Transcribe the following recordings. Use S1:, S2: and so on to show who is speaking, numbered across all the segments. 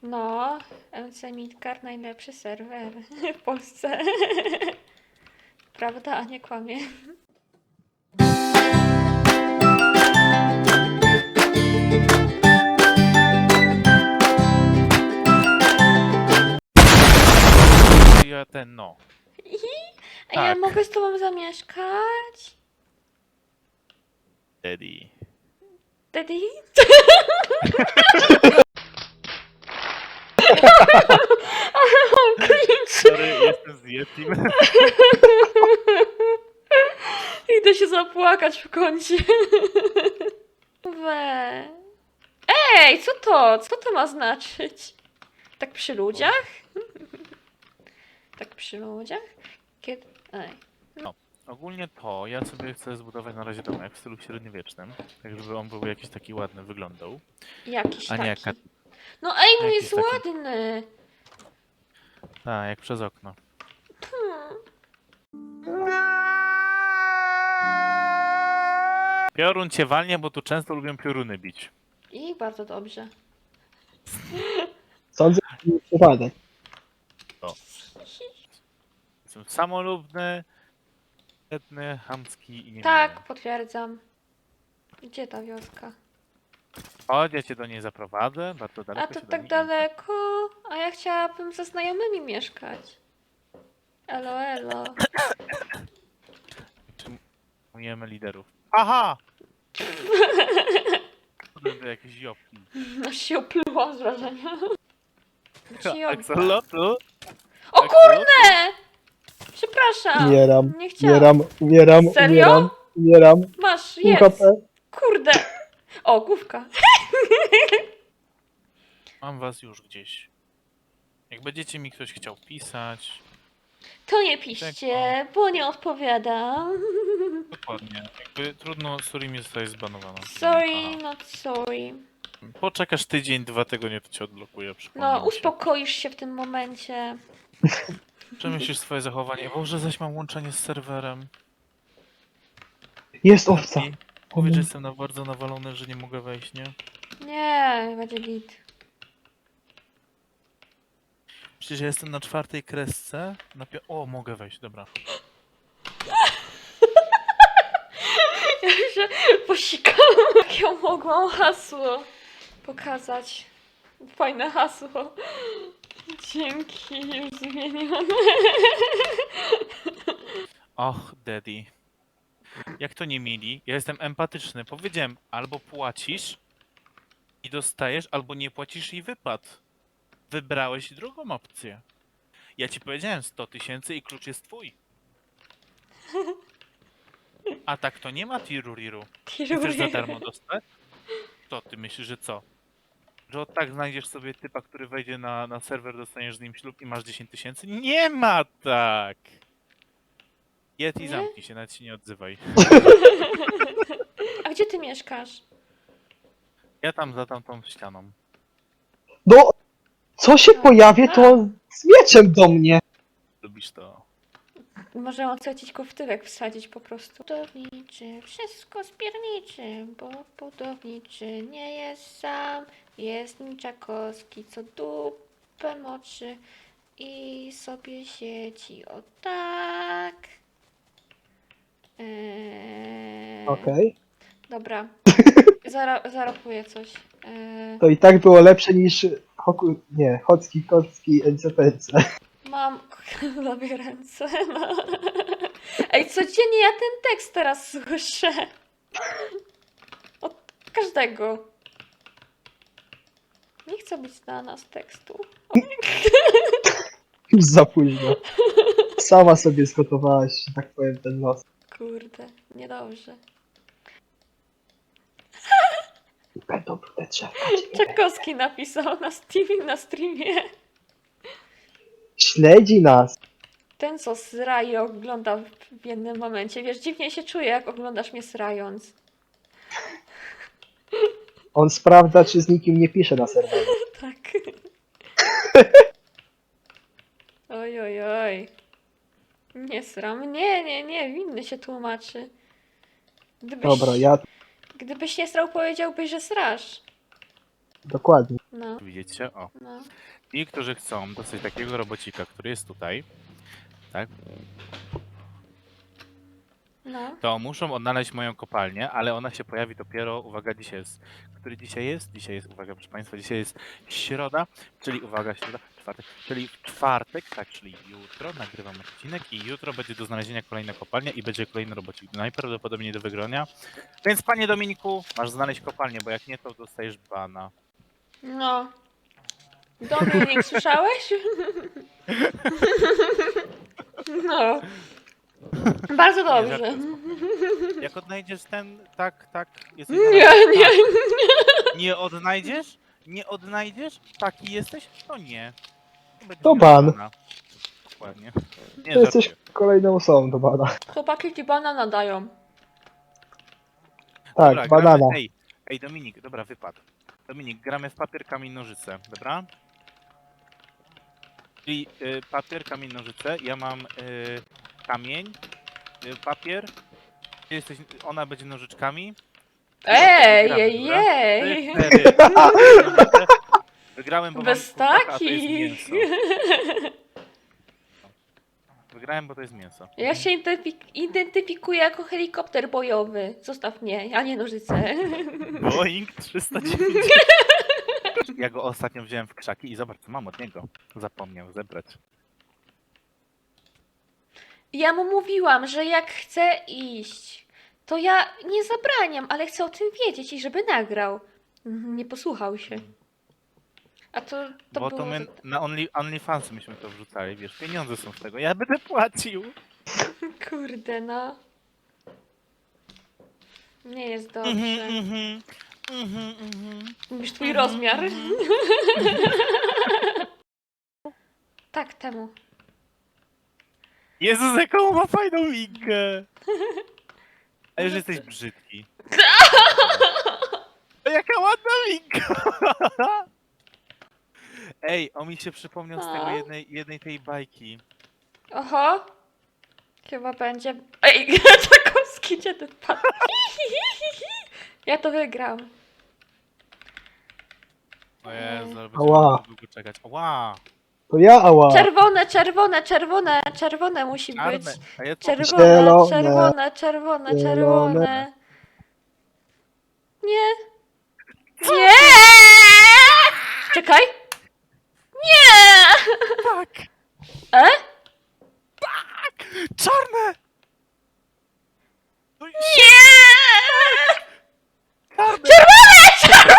S1: No, MC Midgard najlepszy serwer w Polsce. Prawda, a nie kłamie.
S2: Ja ten, no.
S1: A ja
S2: Tak.
S1: mogę z tobą zamieszkać?
S2: Daddy.
S1: Daddy? Ale mam cringe.
S2: Sorry, jestem z Yetim.
S1: Idę się zapłakać w kącie. We. Ej, co to? Co to ma znaczyć? Tak przy ludziach? Tak przy ludziach? Kiedy... Ej.
S2: Ogólnie to ja sobie chcę zbudować na razie domek w stylu średniowiecznym, tak żeby on był jakiś taki ładny wyglądał.
S1: Jakiś
S2: A nie
S1: taki.
S2: jak,
S1: No ej, mój
S2: jakiś
S1: jest
S2: taki.
S1: ładny.
S2: Jak przez okno.
S1: Hmm.
S2: Piorun cię walnie, bo tu często lubią pioruny bić.
S1: I bardzo dobrze.
S3: Sądzę, że nie przypadek.
S2: Jestem samolubny, biedny, chamski i nie
S1: Tak, potwierdzam. Gdzie ta wioska?
S2: Chodź, ja cię do niej zaprowadzę, bardzo
S1: A
S2: daleko
S1: to
S2: się do
S1: tak
S2: niej
S1: daleko, a ja chciałabym ze znajomymi mieszkać. Elo, elo.
S2: Przyjmujemy liderów. Aha! To jakieś jopki.
S1: Aż się oplułam z wrażenia. Przyjąłem.
S2: Axolotu?
S1: O kurde! Przepraszam.
S3: Umieram,
S1: Nie chciałam.
S3: umieram,
S1: Serio?
S3: umieram.
S1: Masz,
S3: Pół
S1: jedz.
S3: HP.
S1: Kurde. O, główka.
S2: Mam was już gdzieś. Jak będziecie mi ktoś chciał pisać,
S1: To nie piszcie, bo nie odpowiadam.
S2: dokładnie. Jakby trudno, sorry mi zostaje zbanowana.
S1: Sorry, not sorry.
S2: Poczekasz tydzień, 2 tygodnie, to cię odblokuję.
S1: No, uspokoisz się w tym momencie.
S2: Przemyślisz swoje zachowanie. Boże, zaś mam łączenie z serwerem.
S3: Jest owca.
S2: I powiedz, że jestem bardzo nawalony, że nie mogę wejść, nie?
S1: Nie, będzie git.
S2: Przecież ja jestem na 4. kresce. O, mogę wejść, dobra.
S1: Ja się posikałam. Jak ja mogłam hasło pokazać. Fajne hasło. Dzięki, już zmienione.
S2: Och, daddy. Jak to nie mieli? Ja jestem empatyczny. Powiedziałem, albo płacisz i dostajesz, albo nie płacisz i wypad. Wybrałeś drugą opcję. Ja ci powiedziałem 100 000 i klucz jest twój. A tak to nie ma tiruriru. Chcesz za darmo dostać? To ty myślisz, że co? Że od tak znajdziesz sobie typa, który wejdzie na serwer, dostaniesz z nim ślub i masz 10 000? Nie ma tak! Jedz i
S1: Nie?
S2: zamknij się, nawet się nie odzywaj.
S1: A gdzie ty mieszkasz?
S2: Ja tam za tamtą ścianą.
S3: No, co się pojawi, to z mieczem do mnie.
S2: Lubisz to?
S1: Możemy odsadzić go w tyłek, wsadzić po prostu. Budowniczy, wszystko spierniczy, bo budowniczy nie jest sam. Jest Niczakowski, co dupę moczy i sobie siedzi o tak.
S3: Okej.
S1: Dobra, zarapuję coś.
S3: To i tak było lepsze niż Chocki, Kocki, NCPC.
S1: Mam lubię ręce. No. Ej, codziennie ja ten tekst teraz słyszę. Od każdego. Nie chcę być znana z tekstu.
S3: Już za późno. Sama sobie zgotowałaś, że tak powiem, ten los.
S1: Kurde, niedobrze.
S3: Będą brudne drzewka.
S1: Czakowski napisał na streamie.
S3: Śledzi nas.
S1: Ten, co sraje, ogląda w jednym momencie. Wiesz, dziwnie się czuję, jak oglądasz mnie srając.
S3: On sprawdza, czy z nikim nie pisze na serwerze.
S1: Tak. Oj, oj, oj. Nie sram. Nie, winny się tłumaczy.
S3: Dobra, ja
S1: Gdybyś nie srał, powiedziałbyś, że srasz.
S3: Dokładnie.
S1: No,
S2: Widzicie? O.
S1: no.
S2: Ci, którzy chcą dostać takiego robocika, który jest tutaj, tak,
S1: No.
S2: to muszą odnaleźć moją kopalnię, ale ona się pojawi dopiero, uwaga, dzisiaj jest, który dzisiaj jest? Dzisiaj jest, uwaga, proszę Państwa, dzisiaj jest środa, czyli uwaga, środa, czwartek, czyli w czwartek, tak, czyli jutro nagrywam odcinek i jutro będzie do znalezienia kolejna kopalnia i będzie kolejny robocik, najprawdopodobniej do wygrania. Więc panie Dominiku, masz znaleźć kopalnię, bo jak nie, to dostajesz bana.
S1: No. Dominik, słyszałeś? No. Bardzo dobrze.
S2: Jak odnajdziesz ten, tak, jesteś
S1: Nie,
S2: na razie-
S1: nie.
S2: tak. Nie odnajdziesz? Nie odnajdziesz? Taki jesteś? To nie. Nie będziesz
S3: To
S2: miał
S3: ban.
S2: bana. Dokładnie. Nie,
S3: To jesteś
S2: żartuję.
S3: kolejną osobą do bana.
S1: Chłopaki ci banana dają.
S3: Tak,
S2: Dobra,
S3: banana.
S2: gramy, ej, Dominik, dobra, wypad. Dominik, gramy w papier, kamień, nożyce, dobra? Czyli papier, kamień, nożyce, ja mam kamień, papier, ty jesteś, ona będzie nożyczkami.
S1: Ej,
S2: Gramy,
S1: jej,
S2: dobra?
S1: jej.
S2: 4. Wygrałem, bo
S1: Bez
S2: mam kurczaka, a to jest
S1: takich.
S2: mięso. Wygrałem, bo to jest mięso.
S1: Ja się identyfikuję jako helikopter bojowy. Zostaw mnie, a nie nożyce.
S2: Boeing 309. Ja go ostatnio wziąłem w krzaki i zobacz, co mam od niego. Zapomniał zebrać.
S1: Ja mu mówiłam, że jak chce iść, to ja nie zabraniam, ale chcę o tym wiedzieć i żeby nagrał. Nie posłuchał się. A to
S2: Bo
S1: było...
S2: to my na OnlyFans myśmy to wrzucali, wiesz, pieniądze są z tego, ja będę płacił.
S1: Kurde, no. Nie jest dobrze. Mówisz twój rozmiar. Tak, temu.
S2: Jezus, jaką ma fajną minkę! A już jesteś brzydki. A jaka ładna minka! Ej, on mi się przypomniał z tego jednej tej bajki.
S1: Oho. Chyba będzie... Ej, Czakowski, gdzie ty padł? Ja to wygram.
S2: O Jezu, ale
S3: Ała.
S2: będziemy długo czekać. Ała!
S3: To ja, ała.
S1: Czerwone, czerwone, czerwone, czerwone musi być.
S2: Czarne! A ja co?
S1: Czerwone,
S3: Zielone.
S1: czerwone, czerwone,
S3: Zielone.
S1: czerwone. Nie. Nie! Czekaj. Nie!
S2: Tak!
S1: E?
S2: Czarne! No i
S1: Nie!
S2: czarne!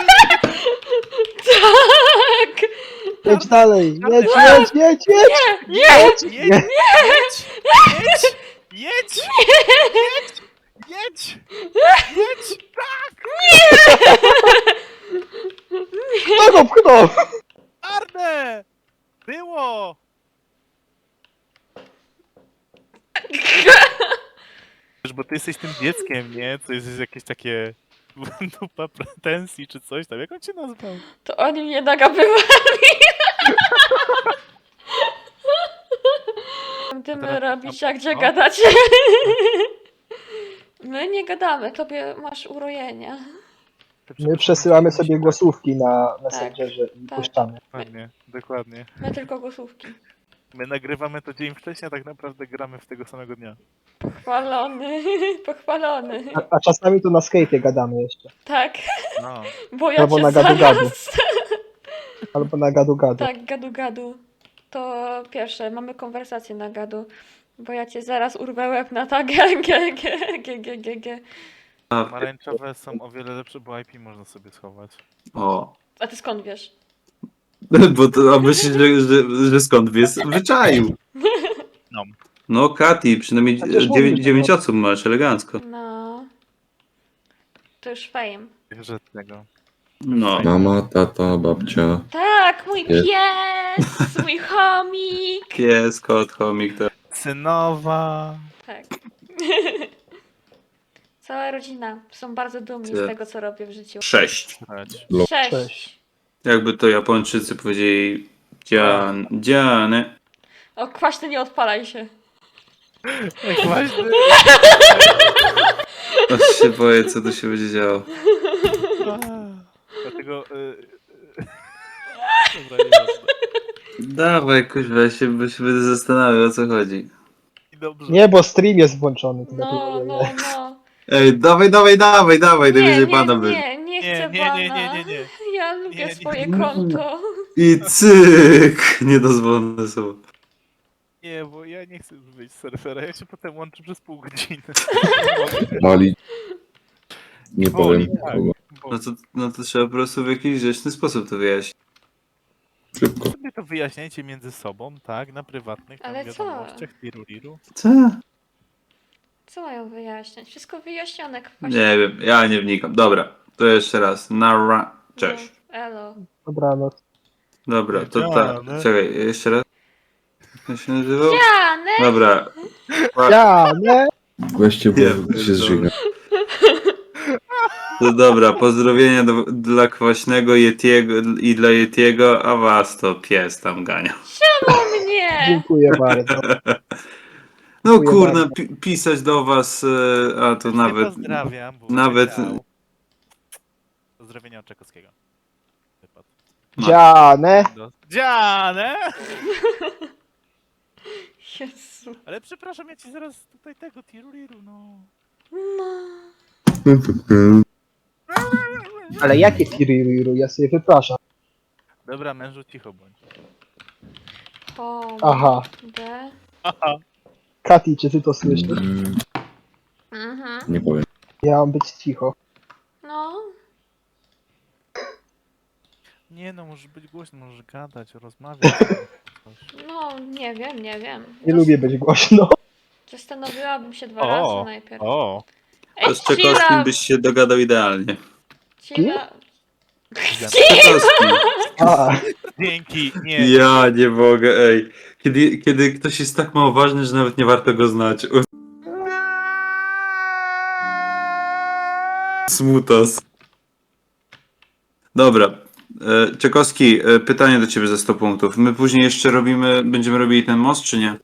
S1: Tak!
S3: Jedź dalej, jedź,
S2: Czarne.
S3: jedź, jedź, jedź.
S1: Nie!
S2: Jedź! Jedź! Jedź! Jedź! Jedź! Jedź! Jedź! Tak!
S3: Kto go pchnął?
S2: Czarne! Było! Wiesz, bo ty jesteś tym dzieckiem, nie? To jest jakieś takie dupa pretensji czy coś tam. Jak on cię nazwał?
S1: To oni mnie nagabywali. Będziemy
S2: teraz-
S1: robić, a gdzie
S2: no.
S1: gadacie? My nie gadamy, tobie masz urojenia.
S3: My przesyłamy sobie głosówki na Messengerze i
S1: tak.
S3: puszczamy.
S2: Dokładnie, dokładnie.
S1: My tylko głosówki.
S2: My nagrywamy to dzień wcześniej, a tak naprawdę gramy w tego samego dnia.
S1: Pochwalony, pochwalony.
S3: A czasami to na Skype'ie gadamy jeszcze.
S1: Tak,
S2: No.
S1: bo ja
S3: Albo
S1: cię
S3: na gadu-gadu.
S1: zaraz...
S3: Albo na gadu-gadu.
S1: Tak, gadu-gadu. To pierwsze, mamy konwersację na gadu. Bo ja cię zaraz urwę łeb na tak g.
S2: Pomarańczowe są o wiele lepsze, bo IP można sobie schować.
S4: O.
S1: A ty skąd wiesz?
S4: Bo to, a myślisz, że skąd wiesz? Wyczaił.
S2: No.
S4: No, Kati, przynajmniej
S3: Chociaż mówisz,
S4: 9
S3: no.
S4: osób masz, elegancko.
S1: No. To już fame.
S2: Że tego.
S4: No.
S5: Mama, tata, babcia.
S1: Tak, mój
S5: Jest.
S1: pies, mój chomik.
S4: Pies, kot, chomik, to...
S2: Synowa.
S1: Tak. Cała rodzina są bardzo dumni
S4: Ty.
S1: z tego, co robię w życiu.
S4: 6.
S2: Chodź.
S1: 6.
S4: Jakby to Japończycy powiedzieli... Dziane.
S1: O, kwaśny, nie odpalaj się.
S2: Jak właśnie.
S4: Aż się boję, co tu się będzie działo.
S2: Tego... Dobra, nieważne.
S4: Dawaj, kuźwa, ja się będę zastanawiał, o co chodzi.
S2: I dobrze.
S3: Nie, bo stream jest włączony. to
S1: No,
S3: dlatego nie.
S1: no.
S4: Ej, dawaj, najwyżej pana będzie.
S1: Nie
S2: Nie,
S1: chcę
S2: nie,
S1: bana.
S2: nie, nie, nie, nie.
S1: Ja lubię
S2: Nie, nie,
S1: swoje
S4: nie.
S1: konto.
S4: I cyk! Niedozwolone słowo.
S2: Nie, bo ja nie chcę już wyjść z serwera, ja się potem łączę przez pół godziny.
S5: Boli. Nie
S2: Boli,
S5: powiem
S2: tak.
S5: kogo.
S4: No to trzeba po prostu w jakiś grzeczny sposób to wyjaśnić.
S5: Szybko.
S2: Sobie to wyjaśniajcie między sobą, tak? Na prywatnych tam
S1: Ale co?
S2: wiadomościach, tiru.
S4: Co?
S1: Co mają wyjaśniać? Wszystko wyjaśnione, kwaśnie.
S4: Nie wiem, ja nie wnikam. Dobra, to jeszcze raz. Nara. Cześć.
S1: No, elo.
S3: Dobranoc.
S4: Dobra, to
S2: Wiedziane.
S4: tak. Czekaj, jeszcze raz. Jak się nazywał?
S1: Janek!
S4: Dobra.
S3: Ja, nie?
S5: Weźcie, bo
S4: Nie,
S5: się zżyga.
S4: To dobra, pozdrowienia dla Kwaśnego Yetiego i dla Yetiego, a was to pies tam gania.
S1: O mnie!
S3: Dziękuję bardzo.
S4: No
S3: Dziękuję
S4: kurna,
S3: bardzo.
S4: pisać do was, a to nawet...
S2: Pozdrawiam, bo
S4: nawet-
S2: wiedział. Pozdrowienia od Czekowskiego. Wypadł.
S4: No.
S3: Dziane.
S2: Dziane!
S1: Jezu.
S2: Ale przepraszam, ja ci zaraz tutaj tego tiruliru, no.
S1: No.
S3: Ale jakie tiriru? Ja sobie wypraszam.
S2: Dobra, mężu, cicho bądź.
S3: Aha.
S1: D.
S3: Kati, czy ty to słyszysz?
S1: Mhm.
S5: Nie powiem.
S3: Ja mam być cicho.
S1: No.
S2: Nie no, możesz być głośny, możesz gadać, rozmawiać. Coś.
S1: No, nie wiem.
S3: Nie lubię być głośno.
S1: Zastanowiłabym się dwa razy najpierw.
S2: O!
S4: To z Czekowskim byś się dogadał idealnie.
S1: Chilla.
S4: Czekowski.
S3: A,
S2: Dzięki, nie.
S4: Ja nie mogę, ej. Kiedy ktoś jest tak mało ważny, że nawet nie warto go znać. Smutos. Dobra. Czekowski, pytanie do ciebie za 100 punktów. My później jeszcze będziemy robili ten most, czy nie?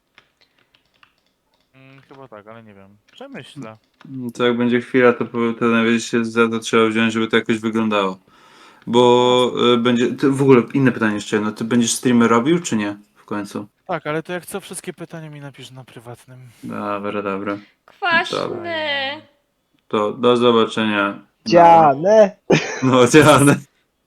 S2: Chyba tak, ale nie wiem. Przemyślę.
S4: To jak będzie chwila, to najwyżej się za to trzeba wziąć, żeby to jakoś wyglądało. Bo w ogóle inne pytanie jeszcze jedno. Ty będziesz streamy robił, czy nie? W końcu.
S2: Tak, ale to jak co, wszystkie pytania mi napisz na prywatnym.
S4: Dobra.
S1: Kwaśny.
S4: To do zobaczenia.
S3: dziane.
S4: No, dziane.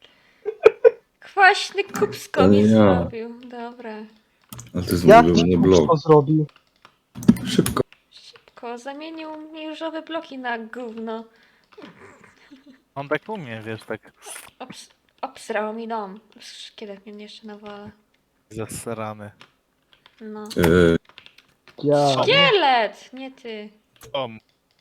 S1: Kwaśny kubsko
S5: Ale
S1: mi
S5: ja.
S1: zrobił. Dobra.
S5: Ale to jest
S3: Jak
S5: mój
S3: ci
S5: ulubiony blog.
S3: to zrobił?
S5: Szybko.
S1: Szybko. Zamienił mi różowe bloki na gówno.
S2: On tak umie, wiesz, tak
S1: Obsrał mi dom. Szkielet mnie jeszcze nawala.
S2: zasrany.
S1: No.
S3: Ja.
S1: Szkielet! Nie ty.
S2: O,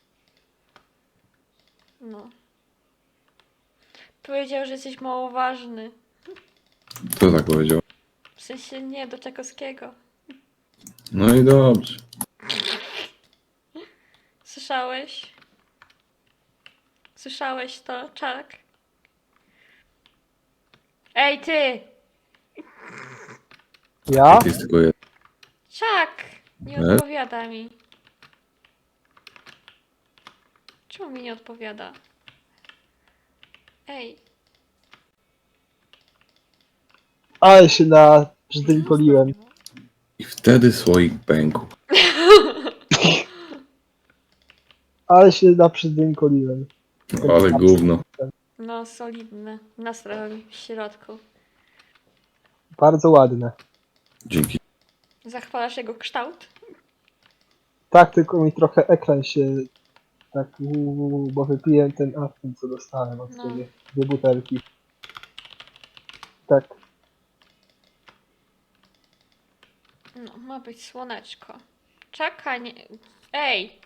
S1: No. Powiedział, że jesteś mało ważny.
S5: Kto tak powiedział?
S1: W sensie nie do Czekowskiego.
S5: No i dobrze.
S1: Słyszałeś? Słyszałeś to, Czak? Ej, ty!
S3: Ja?
S5: Jest tylko jeden.
S1: Czak! Nie
S5: E?
S1: odpowiada mi. Czemu mi nie odpowiada? Ej.
S3: Ale się na brzdękoliłem.
S5: I wtedy słoik pękł.
S3: Ale się na brzdękoliłem.
S5: Ale gówno.
S1: No, solidne. Nastrój w środku.
S3: Bardzo ładne.
S5: Dzięki.
S1: Zachwalasz jego kształt?
S3: Tak, tylko mi trochę ekran się tak bo wypiłem ten afton, co dostałem od
S1: No.
S3: ciebie. 2 butelki. Tak.
S1: No, ma być słoneczko. Czekaj, nie... Ej!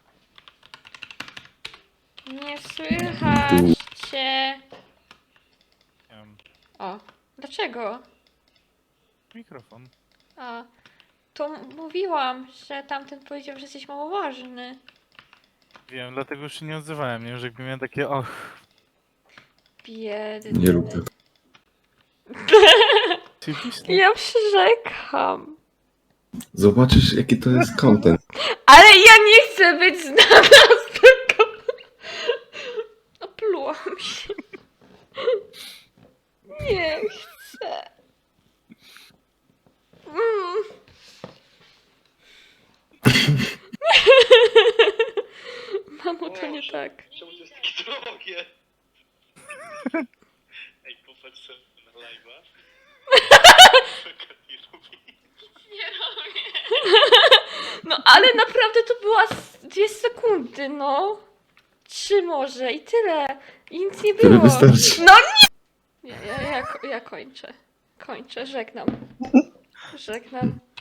S1: Nie słychać cię.
S2: nie wiem,
S1: O, dlaczego?
S2: mikrofon.
S1: A, to mówiłam, że tamten powiedział, że jesteś mało ważny.
S2: Wiem, dlatego już się nie odzywałem, nie? Już jakby miałem takie, och,
S1: Biedny.
S5: Nie rób tak.
S2: oczywiście.
S1: Ja przyrzekam.
S5: Zobaczysz, jaki to jest content.
S1: Ale ja nie chcę być znana z tego. Oplułam się. Nie chcę. Mm. Mamo, to nie tak.
S6: Czemu to jest takie drogie? Ej, popatrz sobie na live'a. Nie lubi.
S1: Nie robię. No ale naprawdę to była 2 sekundy, no. 3 może i tyle. I nic nie
S5: Tyle
S1: było.
S5: wystarczy.
S1: No nie! Ja kończę. Kończę, żegnam. Żegnam.